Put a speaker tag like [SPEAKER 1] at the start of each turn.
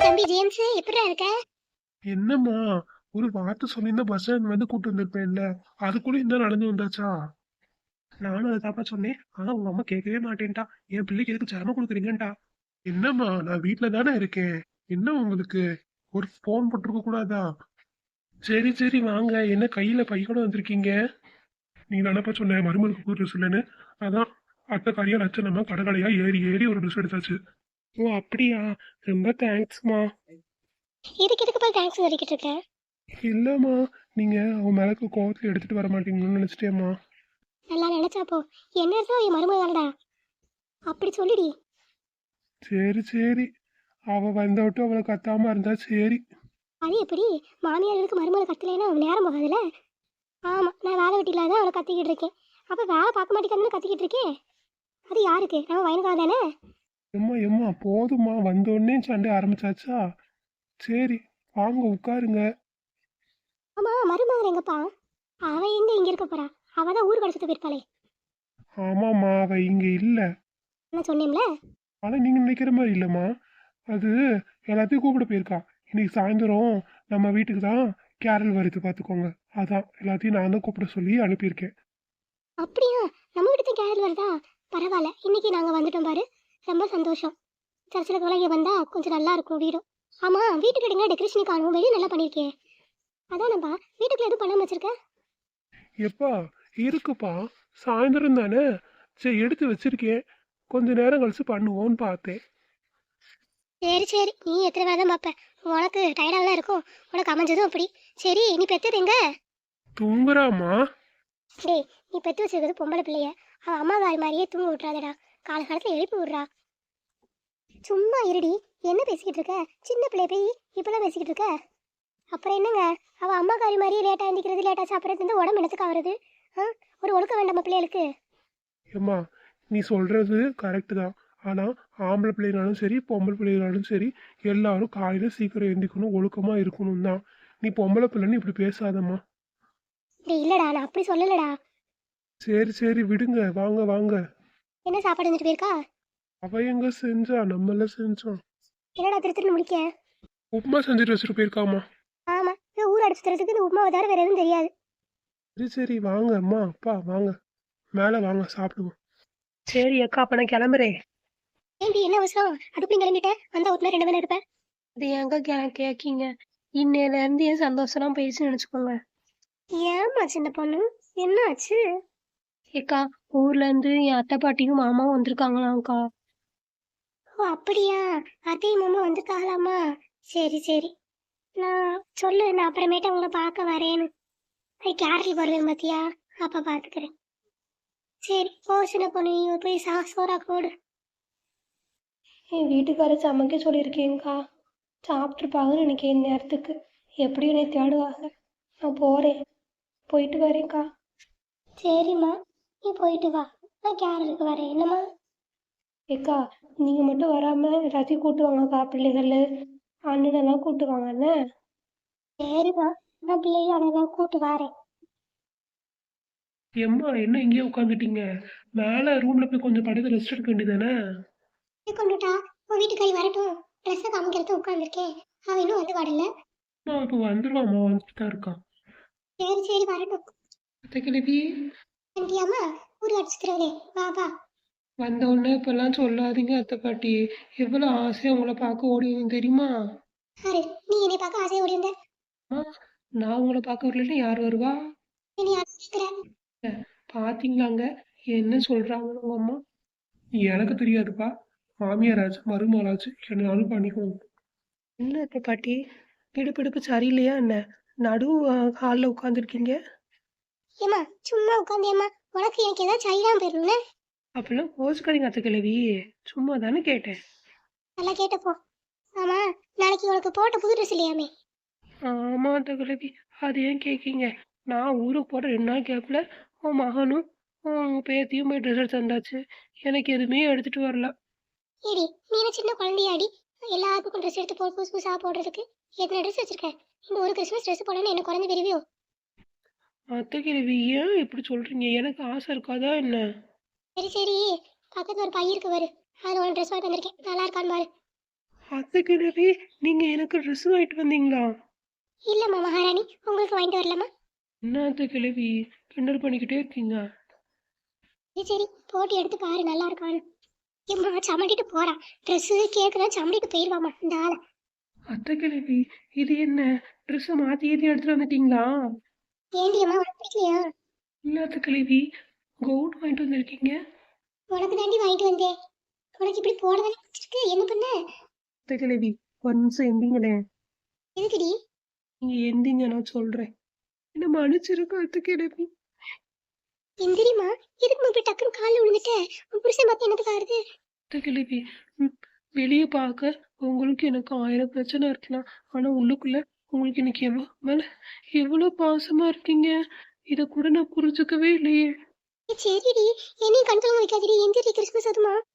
[SPEAKER 1] தம்பி ஜேம்ஸ், எப்படிடா இருக்க?
[SPEAKER 2] என்னம்மா, ஒரு வார்த்தை சொல்லியிருந்தா பஸ் ஸ்டாண்ட் வந்து கூட்டு வந்திருப்பேன்ல. அதுக்குள்ள இந்த நடந்து வந்தாச்சா? நானும் அதை தாப்பா சொன்னேன். ஆனா உங்க அம்மா கேட்கவே மாட்டேன்ட்டா. என் பிள்ளைக்கு எதுக்கு சிரமம் கொடுக்குறீங்கன்ட்டா. என்னம்மா, நான் வீட்டுல தானே இருக்கேன். என்ன உங்களுக்கு ஒரு போன் போட்டிருக்க கூடாதா? சரி சரி வாங்க. என்ன கையில பை கூட வந்திருக்கீங்க? நீ தானப்பா சொன்ன மருமலுக்கு புது ட்ரெஸ் இல்லைன்னு. அதான் அத்தை கறியா லட்சணமா கடற்கடையா ஏறி ஏறி ஒரு ட்ரெஸ் எடுத்தாச்சு. ஓ அப்படியா? ரொம்ப தேங்க்ஸ்மா.
[SPEAKER 1] இதுக்கு போய் தேங்க்ஸ் சொல்லிக்கிட்டு இருக்க?
[SPEAKER 2] இல்லம்மா, நீங்க அவன் மேலக்கு கோவத்துல எடுத்துட்டு வர மாட்டீங்கன்னு நினைச்சிட்டேம்மா.
[SPEAKER 1] நல்லா நினைச்சா போ. என்ன இருந்தா என் மருமகள்டா, அப்படி சொல்லிடி.
[SPEAKER 2] சரி சரி, அவ வந்தவிட்டு அவளை கத்தாம இருந்தா சரி.
[SPEAKER 1] அது எப்படி? மாமியார்களுக்கு மருமகள் கத்தலைன்னா நேரம் போகாதுல்ல. ஆமா, நான் வேலை வெட்டி இல்லாத அவளை கத்திக்கிட்டு இருக்கேன். அப்ப வேலை பார்க்க மாட்டேங்கிறதுன்னு கத்திக்கிட்டு இருக்கேன். அது யாருக்கு? நம்ம வயனுக்காக தானே.
[SPEAKER 2] எம்மா எம்மா போதுமா, வந்தோடனே சண்டை ஆரம்பிச்சாச்சா? சரி, வாங்க உட்காருங்க.
[SPEAKER 1] ஆமா, மருமகள் எங்கப்பா? அவ எங்க இங்க இருக்க போறா? அவ தான் ஊர் கடைச்சிட்டு போயிருப்பாளே.
[SPEAKER 2] ஆமாம்மா, அவ இங்க இல்ல.
[SPEAKER 1] நான் சொன்னேன்ல.
[SPEAKER 2] ஆனா நீங்க நினைக்கிற மாதிரி இல்லம்மா. அது எல்லாத்தையும் கூப்பிட போயிருக்கா. இன்னைக்கு சாயந்தரம் நம்ம வீட்டுக்கு தான் கேரள் வருது பாத்துக்கோங்க. அதான் எல்லாத்தையும் நான் தான் கூப்பிட சொல்லி அனுப்பியிருக்கேன்.
[SPEAKER 1] அப்படியா? நம்ம வீட்டுக்கு கேரள் வருதா? பரவாயில்ல, இன்னைக்கு நாங்க வந்துட்டோம் பாரு. ரொம்ப சந்தோஷம். சர்ச்சில் இங்கே வந்தா கொஞ்சம் நல்லா இருக்கும் வீடும். ஆமா, வீட்டுக்கு எடுங்க டெக்கரேஷன் காணும் வெளியே நல்லா பண்ணியிருக்கேன். அதானப்பா, வீட்டுக்குள்ள எதுவும் பண்ணாம வச்சிருக்க?
[SPEAKER 2] எப்பா, இருக்குப்பா. சாயந்தரம் தானே. சரி, எடுத்து வச்சிருக்கேன். கொஞ்ச நேரம் கழிச்சு பண்ணுவோன்னு பார்த்தேன்.
[SPEAKER 1] சரி சரி, நீ எத்தனை வேலை தான் பார்ப்ப. உனக்கு டயர்டாக இருக்கும். உனக்கு அமைஞ்சதும் அப்படி. சரி, நீ பெத்தது எங்க?
[SPEAKER 2] தூங்குறாமா?
[SPEAKER 1] டேய், நீ பெத்து வச்சிருக்கிறது பொம்பளை பிள்ளைய. அவன் அம்மா காரி மாதிரியே தூங்க விட்றாதடா. காலகாலத்தில் எழுப்பி விட்றா. சும்மா இருடி. என்ன பேசிக்கிட்டு இருக்க? சின்ன பிள்ளை போய் இப்பெல்லாம் பேசிக்கிட்டு இருக்க? அப்புறம் என்னங்க? அவள் அம்மா காரி மாதிரியே லேட்டாக எழுந்திக்கிறது, லேட்டாக சாப்பிட்றது, உடம்பு என்னத்துக்கு ஆகுறது? ஆ, ஒரு ஒழுக்க வேண்டாமா பிள்ளைகளுக்கு?
[SPEAKER 2] ஏம்மா, நீ சொல்றது கரெக்டு தான். ஆனா ஆம்பளை பிள்ளைனாலும் சரி பொம்பளை பிள்ளைனாலும் சரி எல்லாரும் காலையில சீக்கிரம் எந்திக்கணும், ஒழுக்கமா இருக்கணும் தான். நீ பொம்பளை பிள்ளைன்னு இப்படி பேசாதம்மா.
[SPEAKER 1] டேய் இல்லடா, நான் அப்படி சொல்லலடா.
[SPEAKER 2] சரி சரி விடுங்க, வாங்க வாங்க.
[SPEAKER 1] என்ன சாப்பாடு வந்துட்டு போயிருக்கா?
[SPEAKER 2] அவ எங்க செஞ்சா, நம்மள செஞ்சோம்.
[SPEAKER 1] என்னடா திரு திருன்னு முடிக்க?
[SPEAKER 2] உப்புமா செஞ்சுட்டு வச்சுட்டு போயிருக்காமா.
[SPEAKER 1] ஆமா, இந்த ஊர் அடிச்சு தரத்துக்கு இந்த உப்புமாவை தவிர வேற எதுவும் தெரியாது.
[SPEAKER 2] சரி சரி வாங்க அம்மா அப்பா வாங்க, மேல வாங்க சாப்பிடுவோம்.
[SPEAKER 3] சரி அக்கா, அப்ப நான் கிளம்புறேன்.
[SPEAKER 1] ஏண்டி என்ன அவசரம்? அதுக்குள்ள கிளம்பிட்ட? வந்தா ஒரு நேரம் 2 மணி இருப்பேன்.
[SPEAKER 3] அது ஏங்க கேக்கீங்க? இன்னையில இருந்து என் சந்தோஷம்லாம் போயிடுச்சுன்னு நினைச்சுக்கோங்க.
[SPEAKER 1] ஏமா சின்ன பொண்ணு, என்ன ஆச்சு?
[SPEAKER 3] ஏக்கா, ஊர்ல இருந்து என் அத்தை பாட்டியும் மாமாவும் வந்திருக்காங்களாம்க்கா.
[SPEAKER 1] ஓ அப்படியா? அத்தையும் மாமா வந்திருக்காங்களாமா? சரி சரி. நான் சொல்லு, நான் அப்புறமேட்டு உங்களை பார்க்க வரேன்னு. கேரளி வருவேன் பாத்தியா? அப்ப பாத்துக்கிறேன். சரி போ சின்ன பொண்ணு, நீ போய் சோறா போடு.
[SPEAKER 3] என் வீட்டுக்காரர் சமைக்க சொல்லியிருக்கேங்க்கா. சாப்பிட்ருப்பாங்கன்னு எனக்கு நேரத்துக்கு. எப்படியும் என்னை தேடுவாங்க. நான் போறேன், போயிட்டு வரேன்க்கா.
[SPEAKER 1] சரிம்மா, நீ போயிட்டு வா. நான் கேரளுக்கு வரேன் என்னம்மா?
[SPEAKER 3] ஏக்கா, நீங்க மட்டும் வராம எல்லாத்தையும் கூட்டு வாங்கக்கா. பிள்ளைகள் அண்ணனெல்லாம் கூட்டு வாங்க என்ன?
[SPEAKER 1] சரிம்மா, நான் பிள்ளைய அனைவரும் கூட்டு வரேன்.
[SPEAKER 2] எம்மா, என்ன இங்கேயே உட்காந்துட்டீங்க? மேல ரூம்ல போய் கொஞ்சம் படுத்து ரெஸ்ட் எடுக்க வேண்டியதானே?
[SPEAKER 1] கொண்டுட்டா, உன் வீட்டுக்காரி வரட்டும். ட்ரெஸ்ஸை காமிக்கிறது உட்காந்துருக்கேன். அவன் இன்னும் வந்து வரல.
[SPEAKER 2] இப்ப வந்துருவாமா, வந்துட்டு தான் இருக்கான்.
[SPEAKER 1] சரி சரி, வரட்டும்.
[SPEAKER 2] அத்தை கிழவி,
[SPEAKER 1] ஆண்டியாம்மா, ஊர் அடிச்சுக்கிறவளே, வா வா.
[SPEAKER 2] வந்த உடனே இப்பெல்லாம் சொல்லாதீங்க அத்தை பாட்டி. எவ்வளவு ஆசையா உங்களை பார்க்க ஓடி வந்தேன் தெரியுமா?
[SPEAKER 1] யாரு? நீ என்னை பார்க்க ஆசையை ஓடி வந்த?
[SPEAKER 2] ஆ, நான் உங்களை பார்க்க வரலன்னா யார் வருவா?
[SPEAKER 1] என்னை யார் கேட்குற?
[SPEAKER 2] பாத்தீங்களாங்க என்ன சொல்றாங்க உங்க அம்மா? எனக்கு தெரியாதுப்பா. மாமியாராச்சு மருமகளாச்சு என்னாலும் பண்ணிக்கோங்க.
[SPEAKER 3] என்ன அத்தை பாட்டி, இடுப்பு சரியில்லையா என்ன? நடு ஹாலில் உட்காந்துருக்கீங்க.
[SPEAKER 1] ஏம்மா சும்மா உட்காந்தேம்மா. உனக்கு எனக்கு ஏதாச்சும் ஐடியா போயிடணும்ல.
[SPEAKER 3] அப்படிலாம் கோச்சுக்காதீங்க அத்தை கிழவி, சும்மா தானே கேட்டேன்.
[SPEAKER 1] நல்லா கேட்டப்போ. ஆமா, நாளைக்கு உனக்கு போட்ட புது ட்ரெஸ் இல்லையாமே?
[SPEAKER 3] ஆமா அத்தை கிழவி, அது ஏன் கேட்கீங்க? நான் ஊருக்கு போகிற 2 நாள் கேப்பில் உன் மகனும் உன் பேத்தியும் போய் ட்ரெஸ் எடுத்து வந்தாச்சு. எனக்கு எதுவுமே எடுத்துட்டு வரல.
[SPEAKER 1] ஏடி, நீ என்ன சின்ன குழந்தையாடி? எல்லாத்துக்கும் ட்ரெஸ் எடுத்து போ, புதுசு புதுசாக போடுறதுக்கு. எத்தனை ட்ரெஸ் வச்சிருக்க? இந்த ஒரு கிறிஸ்மஸ் ட்ரெஸ் போடணும்னு என்ன குறைஞ்சு பெரியவியோ?
[SPEAKER 3] அத்தை கிழவி, ஏன் இப்படி சொல்றீங்க? எனக்கு ஆசை இருக்காதா என்ன?
[SPEAKER 1] சரி சரி, பக்கத்துல ஒரு பை இருக்கு பாரு. அதில் ஒரு ட்ரெஸ் வாங்கி வந்திருக்கேன். நல்லா இருக்கான்னு பாரு.
[SPEAKER 3] அத்தை கிழவி, நீங்க எனக்கு ட்ரெஸ் வாங்கிட்டு வந்தீங்களா?
[SPEAKER 1] இல்லம்மா மகாராணி, உங்களுக்கு வாங்கிட்டு வரலாமா?
[SPEAKER 3] என்ன அத்தை கிழவி கிண்டல் பண்ணிக்கிட்டே இருக்கீங்க?
[SPEAKER 1] சரி சரி, போட்டு எடுத்து பாரு நல்லா இருக்கான்னு. ஏம்மா சமண்டிட்டு போறான். ட்ரெஸ்ஸு கேட்குறேன், சமண்டிட்டு போயிடுவாமா இந்த ஆளை.
[SPEAKER 3] அத்தை கிழவி, இது என்ன ட்ரெஸ்ஸை மாத்தி ஏத்தி எடுத்துட்டு வந்துட்டீங்களா?
[SPEAKER 1] ஏண்டி அம்மா உனக்கு பிடிக்கலையா?
[SPEAKER 3] இல்ல அத்தை கிழவி, கவுன் வாங்கிட்டு வந்திருக்கீங்க.
[SPEAKER 1] உனக்கு தாண்டி வாங்கிட்டு வந்தேன். உனக்கு இப்படி போடதானே பிடிச்சிருக்கு, என்ன பண்ண?
[SPEAKER 3] அத்தை கிழவி, ஒரு நிமிஷம் எந்திங்களே.
[SPEAKER 1] எதுக்குடி?
[SPEAKER 3] நீங்க எந்திங்க, நான் சொல்றேன். என்ன மன்னிச்சிருக்க அத்தை கிழவி.
[SPEAKER 1] எந்திரிமா, எதுக்கு போய் டக்குன்னு காலில் விழுந்துட்ட? உன் புருஷன் பார்த்து என்னதுக்கு ஆறுது?
[SPEAKER 3] அத்தை கிழவி, வெளியே பார்க்க உங்களுக்கு எனக்கு 1000 பிரச்சனை இருக்கலாம். ஆனா உள்ளுக்குள்ள உங்களுக்கு எனக்கு எவ்வளவு பாசமா இருக்கீங்க. இத கூட நான் புரிஞ்சுக்கவே இல்லையே.
[SPEAKER 1] சரிடி, என்னையும் கண்கலங்க வைக்காதடி. எந்திரி, கிறிஸ்மஸ் அதுமா.